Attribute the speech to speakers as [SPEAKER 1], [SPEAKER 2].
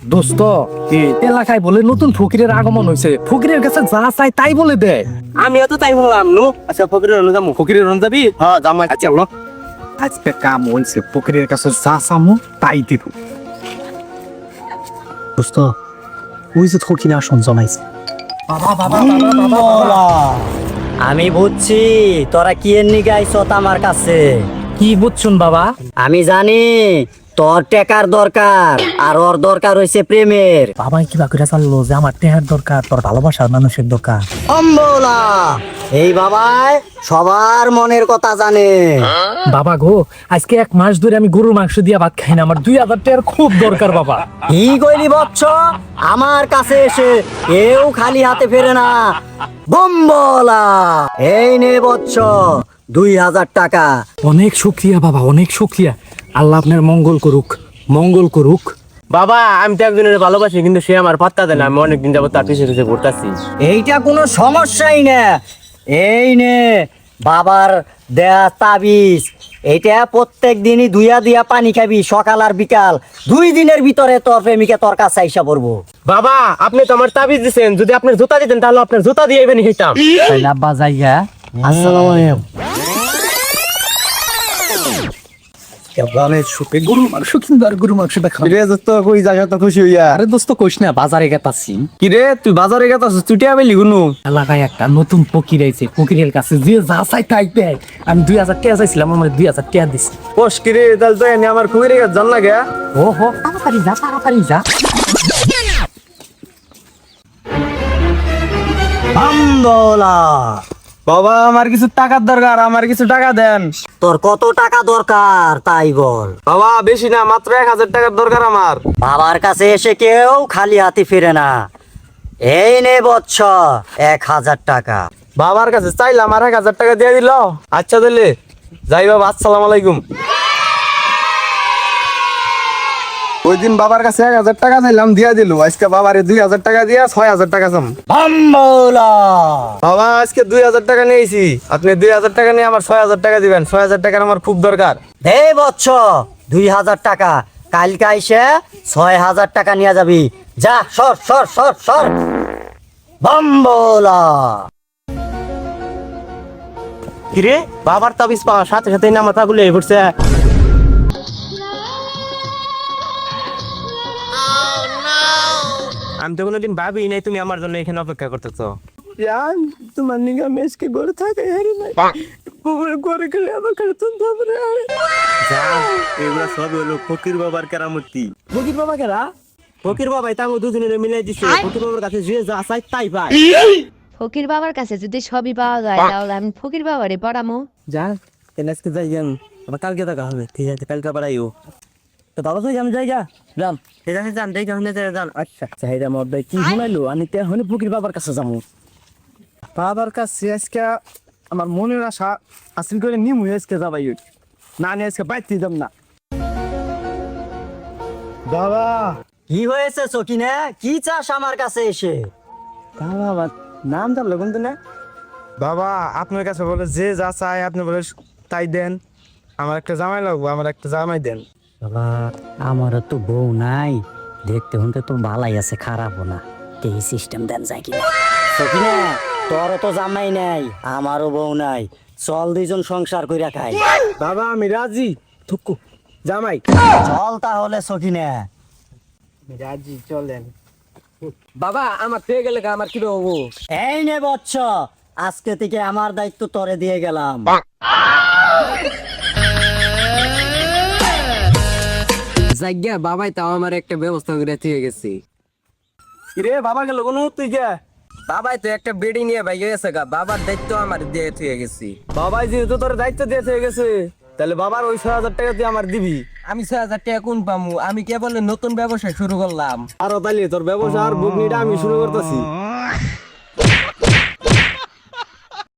[SPEAKER 1] দোস্ত এলাকায় বলে নতুন ফকিরের আগমন হয়েছে, ফকিরের কাছে যা চাই তাই বলে দেয়।
[SPEAKER 2] আমিও তো তাই বললাম নু। আচ্ছা ফকিরের রন যাবো।
[SPEAKER 1] ফকিরের রন যাবি?
[SPEAKER 2] হ্যাঁ যাবো।
[SPEAKER 1] আচ্ছা বলো, আজকে কাম হয়েছে, ফকিরের কাছে যা চামু তাই দিব।
[SPEAKER 3] দোস্ত ওই যে ফকির আসন জমাইছে।
[SPEAKER 4] আমি বুঝছি তোরা কি এর নিগে আইছত আমার কাছে।
[SPEAKER 1] কি বুঝছুন বাবা?
[SPEAKER 4] আমি জানি তোর টেকার দরকার আর ওর দরকার হইছে প্রেমের।
[SPEAKER 3] বাবাই কিবা করে চাললো যে আমার টেহার দরকার, তোর ভালোবাসার মানুষের দরকার।
[SPEAKER 4] অম্বলা এই বাবাই সবার মনের কথা জানে।
[SPEAKER 3] বাবা গো, আজকে 1 মাস ধরে আমি গরুর মাংস দিয়া ভাত খাই না, আমার 2000 টাকার খুব দরকার বাবা।
[SPEAKER 4] কি কইলি বচ্চ, আমার কাছে এসে কেউ খালি হাতে ফেরে না। বম্বলা এই নে বচ্চ 2000 টাকা।
[SPEAKER 3] অনেক শুক্রিয়া বাবা, অনেক শুক্রিয়া। আল্লাহ আপনার মঙ্গল করুক, মঙ্গল করুক।
[SPEAKER 2] বাবা আমি তো একজনের ভালোবাসি, কিন্তু সে আমার পাত্তা দেয় না। আমি অনেকদিন যাবো তার পিছিয়ে পিছিয়ে ঘুরতাছি।
[SPEAKER 4] এইটা কোনো সমস্যাই না। এই নে বাবার দেয়া তাবিজ, এইটা প্রত্যেক দিনই ধুইয়া দিয়া পানি খাবি সকাল আর বিকাল। 2 দিনের ভিতরে তোর প্রেমিকা তোর কাছে আইসা পড়বো।
[SPEAKER 2] বাবা আপনি তো আমার তাবিজ দিচ্ছেন, যদি আপনার জুতা দিতেন তাহলে আপনার জুতা দিয়ে এবেন খেতাম।
[SPEAKER 3] আব্বা যাইয়া
[SPEAKER 4] আসসালামু আলাইকুম।
[SPEAKER 3] গরুর মাংস কিন্তু আর গরুর মাংস দেখা।
[SPEAKER 2] কিরে দোস্ত কই জায়গা তো খুশি হইয়া?
[SPEAKER 3] আরে দোস্ত কইস না, বাজারে গেতাছি।
[SPEAKER 2] কিরে তুই বাজারে গেতাছিস, চুটিয়া বেলি গুনু?
[SPEAKER 3] এলাকায় একটা নতুন ফকির আইছে, ফকিরের কাছে যে যা চাই তাই দেয়। আমি 2000 টাকা চাইছিলাম, আমার 2000 টাকা দিছি।
[SPEAKER 2] কোষ কিরে তাহলে তো এনে আমার কুমিরে গেছে জান লাগে।
[SPEAKER 3] ও হো, তাড়াতাড়ি যা, তাড়াতাড়ি যা।
[SPEAKER 4] বম্বলা
[SPEAKER 2] বাবা আমার কিছু টাকার দরকার, আমার কিছু টাকা দেন।
[SPEAKER 4] তোর কত টাকা দরকার তাই বল।
[SPEAKER 2] বাবা বেশি না, মাত্র 1000 টাকার দরকার আমার।
[SPEAKER 4] বাবার কাছে এসে কেউ খালি হাতে ফিরে না। এই নে বচ্চ 1000 টাকা।
[SPEAKER 2] বাবার কাছে চাইলাম আর 1000 টাকা দিয়ে দিল। আচ্ছা তাহলে যাই বাবা, আসসালামু আলাইকুম। ওই দিন বাবার কাছে 1000 টাকা চাইলাম, দিয়া দিল। আজকে বাবারে 2000 টাকা দিয়া 6000 টাকা চাম।
[SPEAKER 4] বম্বলা
[SPEAKER 2] বাবা আজকে 2000 টাকা নিয়েছি, আপনি 2000 টাকা নিয়ে আমার 6000 টাকা দিবেন। 6000 টাকার আমার খুব দরকার।
[SPEAKER 4] দে বচ্চ 2000 টাকা। কালকে আইসে 6000 টাকা নিয়ে যাবি। যা সর সর সর সর। বম্বলা
[SPEAKER 2] কিরে বাবার তাবিজ পাওয়ার সাথে সাথে না মাথা গুলো পড়ছে। আমি তো কোনোদিন ভাবি নাই তুমি আমার জন্য এখানে অপেক্ষা করতেছো। তোমার নিগা মেসকে গড়ে থাকে করে গেলে আমার কাছে তারপরে এগুলা সব হলো ফকির বাবার কেরামতি। ফকির বাবা কেরা? ফকির বাবাই তাঙ্গো দুজনের মিলাই দিছে। ফকির বাবার কাছে যে যা চাই তাই পায়।
[SPEAKER 5] ফকির বাবার কাছে যদি সবই পাওয়া যায় তাহলে আমি ফকির বাবারে পড়ামো।
[SPEAKER 2] যা আজকে যাই যান, আবার কালকে দেখা হবে। ঠিক আছে কালকে আবার আইও। তো বাবা কই আমি যাই যান। ঠিক আছে যান, দেখে শুনে যান। আচ্ছা চাহিদা মধ্যে কি শুনাইলো, আমি তে হনে ফকির বাবার কাছে যাবো। বাবার কাছে আজকে আমার মনের আশা আসিল করে নিমু, আজকে যাবাই না নিয়ে আজকে বাইতে যাব না। বাবা
[SPEAKER 4] কি হয়েছে সকিনা, কি চাস আমার কাছে এসে?
[SPEAKER 2] বাবা নাম জানলো কিন্তু না। বাবা আপনার কাছে বলে যে যা চাই আপনি বলে তাই দেন। আমার একটা জামাই লাগবে, আমার একটা জামাই দেন।
[SPEAKER 4] বাবা আমারও তো বউ নাই, দেখতে হতে তো ভালাই আছে, খারাপও না। এই সিস্টেম দেন যায় কিনা? সকিনা তোরও তো জামাই নাই, আমারও বউ নাই, চল 2 জন সংসার কইরা খাই।
[SPEAKER 2] বাবা আমি রাজি। থুকু জামাই
[SPEAKER 4] চল তাহলে সকিনা।
[SPEAKER 2] রাজি চলেন। বাবা আমার পেয়ে গেলে আমার কি হবো?
[SPEAKER 4] এই নে বচ্চ, আজকে থেকে আমার দায়িত্ব তোরে দিয়ে গেলাম।
[SPEAKER 2] জায়গা বাবাই তাও আমার একটা ব্যবস্থা করে দিয়ে গেছে। কিরে বাবা গেল কোন তুই কে? বাবাই তো একটা বেডি নিয়ে ভাই গেছে গা, বাবার দায়িত্ব আমার দিয়ে দিয়ে গেছি। বাবাই যেহেতু তোর দায়িত্ব দিয়ে দিয়ে গেছে, তাহলে বাবার ওই 6000 টাকা দিয়ে আমার দিবি। আমি 6000 টাকা কোন পামু? আমি কেবল নতুন ব্যবসা শুরু করলাম। আর তাইলে তোর ব্যবসা আর বুকনিটা আমি শুরু করতেছি।